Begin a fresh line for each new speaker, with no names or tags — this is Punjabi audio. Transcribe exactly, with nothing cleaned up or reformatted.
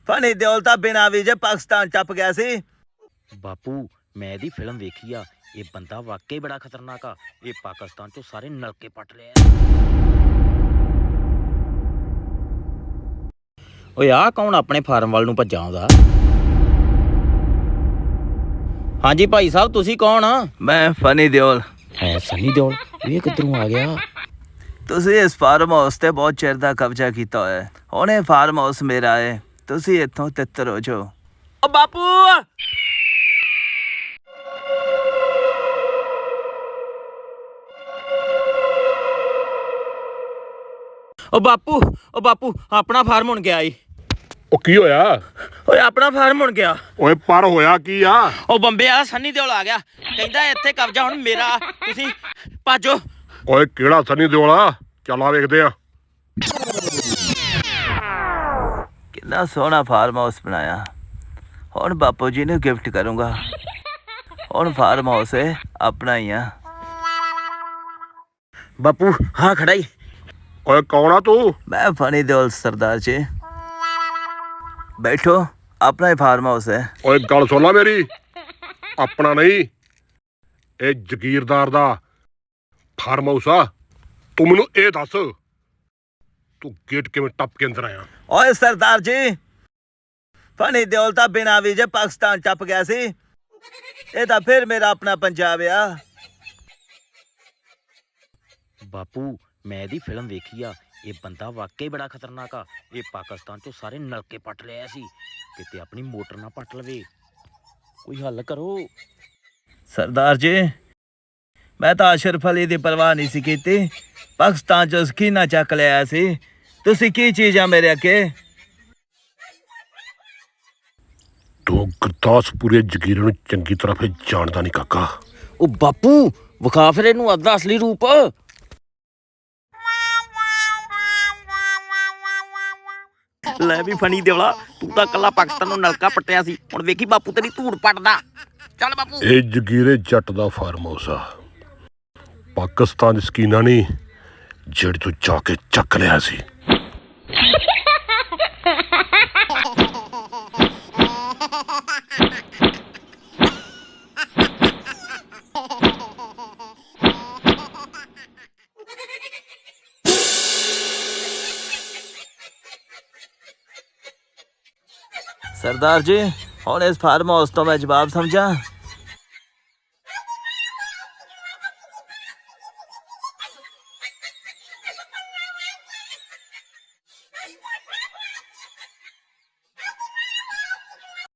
ਫਨੀ ਦਿਓਲ ਤਾਂ ਬਿਨਾਂ ਵੀਜ਼ੇ ਪਾਕਿਸਤਾਨ ਟੱਪ ਗਿਆ ਸੀ।
ਬਾਪੂ ਮੈਂ ਇਹਦੀ ਫਿਲਮ ਵੇਖੀ ਆ, ਇਹ ਬੰਦਾ ਵਾਕਈ ਬੜਾ ਖਤਰਨਾਕ ਆ। ਇਹ ਪਾਕਿਸਤਾਨ ਚੋਂ ਸਾਰੇ ਨਲਕੇ ਪੱਟ ਲਿਆ। ਓਏ ਆ ਕੌਣ ਆਪਣੇ ਫਾਰਮ ਵੱਲ ਨੂੰ ਭੱਜਾ ਆਉਂਦਾ? ਹਾਂਜੀ ਭਾਈ ਸਾਹਿਬ, ਤੁਸੀਂ ਕੌਣ ਆ?
ਮੈਂ ਫਨੀ ਦਿਓਲ।
ਹੈ ਸਨੀ ਦਿਓਲ? ਇਹ ਕਿੱਧਰੋਂ ਆ ਗਿਆ?
ਤੁਸੀਂ ਇਸ ਫਾਰਮ ਹਾਊਸ ਤੇ ਬਹੁਤ ਚਿਰ ਦਾ ਕਬਜ਼ਾ ਕੀਤਾ ਹੋਇਆ ਹੈ। ਹੁਣ ਇਹ ਫਾਰਮ ਹਾਊਸ ਮੇਰਾ ਹੈ। ਤੁਸੀਂ ਇੱਥੋਂ ਤਿੱਤਰ ਹੋ ਜਾਓ।
ਓ ਬਾਪੂ, ਓ ਬਾਪੂ, ਓ ਬਾਪੂ ਆਪਣਾ ਫਾਰਮ ਹੁਣ ਗਿਆ ਈ।
ਉਹ ਕੀ ਹੋਇਆ
ਓਏ ਆਪਣਾ ਫਾਰਮ ਹੁਣ ਗਿਆ।
ਓਏ ਪਰ ਹੋਇਆ ਕੀ ਆ?
ਉਹ ਬੰਬੇ ਆ ਸਨੀ ਦਿਓਲ ਆ ਗਿਆ, ਕਹਿੰਦਾ ਇੱਥੇ ਕਬਜ਼ਾ ਹੁਣ ਮੇਰਾ, ਤੁਸੀਂ ਭਾਜੋ।
ਓਏ ਕਿਹੜਾ ਸਨੀ ਦਿਓਲ ਆ? ਚੱਲ ਆ ਵੇਖਦੇ ਆ।
ਕਿੰਨਾ ਸੋਹਣਾ ਫਾਰਮ ਹਾਊਸ ਬਣਾਇਆ। ਹੁਣ ਬਾਪੂ ਜੀ ਨੂੰ ਗਿਫਟ ਕਰੂੰਗਾ। ਹੁਣ ਫਾਰਮ ਹਾਊਸ ਹੈ ਆਪਣਾ ਹੀ ਆ।
ਬਾਪੂ ਹਾਂ ਖੜਾ ਈ।
ਓਏ ਕੌਣ ਆ ਤੂੰ?
ਮੈਂ ਫਨੀ ਦਿਓਲ ਸਰਦਾਰ ਜੀ। ਬੈਠੋ, ਆਪਣਾ ਹੀ ਫਾਰਮ ਹਾਊਸ ਹੈ।
ਓਏ ਗੱਲ ਸੁਣ ਲਾ ਮੇਰੀ, ਆਪਣਾ ਨਹੀਂ, ਇਹ ਜ਼ਗੀਰਦਾਰ ਦਾ ਫਾਰਮ ਹਾਊਸ ਆ। ਤੂੰ ਮੈਨੂੰ ਇਹ ਦੱਸ, ਤੂੰ ਗੇਟ ਕਿਵੇਂ ਟੱਪ ਕੇ ਅੰਦਰ ਆਇਆ?
ਓਏ ਸਰਦਾਰ ਜੀ, ਫਨੀ ਦਿਓਲ ਤਾਂ ਬਿਨਾਂ ਵੀਜ਼ੇ ਪਾਕਿਸਤਾਨ ਟੱਪ ਗਿਆ ਸੀ। ਇਹ ਤਾਂ ਫਿਰ ਮੇਰਾ ਆਪਣਾ ਪੰਜਾਬ ਆ।
ਬਾਪੂ ਮੈਂ ਇਹਦੀ ਫਿਲਮ ਵੇਖੀ ਆ, ਇਹ ਬੰਦਾ ਵਾਕਈ ਬੜਾ ਖਤਰਨਾਕ ਆ। ਇਹ ਪਾਕਿਸਤਾਨ ਚੋਂ ਸਾਰੇ ਨਲਕੇ ਪੱਟ ਲਿਆ ਸੀ, ਕਿਤੇ ਆਪਣੀ ਮੋਟਰ ਨਾ ਪੱਟ ਲਵੇ। ਕੋਈ ਹੱਲ ਕਰੋ।
ਸਰਦਾਰ ਜੀ, ਮੈਂ ਤਾਂ ਅਸ਼ਰਫ ਅਲੀ ਦੀ ਪਰਵਾਹ ਨਹੀਂ ਸੀ ਕੀਤੀ। ਪਾਕਿਸਤਾਨ ਚੋਂ ਸਕੀਨਾ ਚੱਕ ਲਿਆ ਸੀ। ਤੁਸੀਂ ਕੀ ਚੀਜ਼ ਆ ਮੇਰੇ ਅੱਗੇ?
ਤੂੰ ਗੁਰਦਾਸਪੁਰੇ ਜ਼ਗੀਰ ਨੂੰ ਚੰਗੀ ਤਰ੍ਹਾਂ ਫਿਰ ਜਾਣਦਾ ਨਹੀਂ ਕਾਕਾ।
ਉਹ ਬਾਪੂ ਵਿਖਾ ਫਿਰ ਇਹਨੂੰ ਅੱਧਾ ਅਸਲੀ ਰੂਪ। ਲੈ ਵੀ ਫਨੀ ਦਿਓਲਾ, ਤੂੰ ਤਾਂ ਕੱਲਾ ਪਾਕਿਸਤਾਨ ਨੂੰ ਨਲਕਾ ਪੱਟਿਆ ਸੀ, ਹੁਣ ਵੇਖੀ ਬਾਪੂ ਤੇਰੀ ਧੂੜ ਪੱਟਦਾ। ਚੱਲ ਬਾਪੂ।
ਇਹ ਜ਼ਗੀਰੇ ਜੱਟ ਦਾ ਫਾਰਮ ਹਾਊਸ ਆ। ਪਾਕਿਸਤਾਨ ਦੀ ਸਕੀਨਾ ਨਹੀਂ, ਜਿਹੜੀ ਤੂੰ ਜਾ ਕੇ ਚੱਕ ਲਿਆ ਸੀ।
ਸਰਦਾਰ ਜੀ, ਹੁਣ ਇਸ ਫਾਰਮ ਹਾਊਸ ਤੋਂ ਮੈਂ ਜਵਾਬ ਸਮਝਾਂ?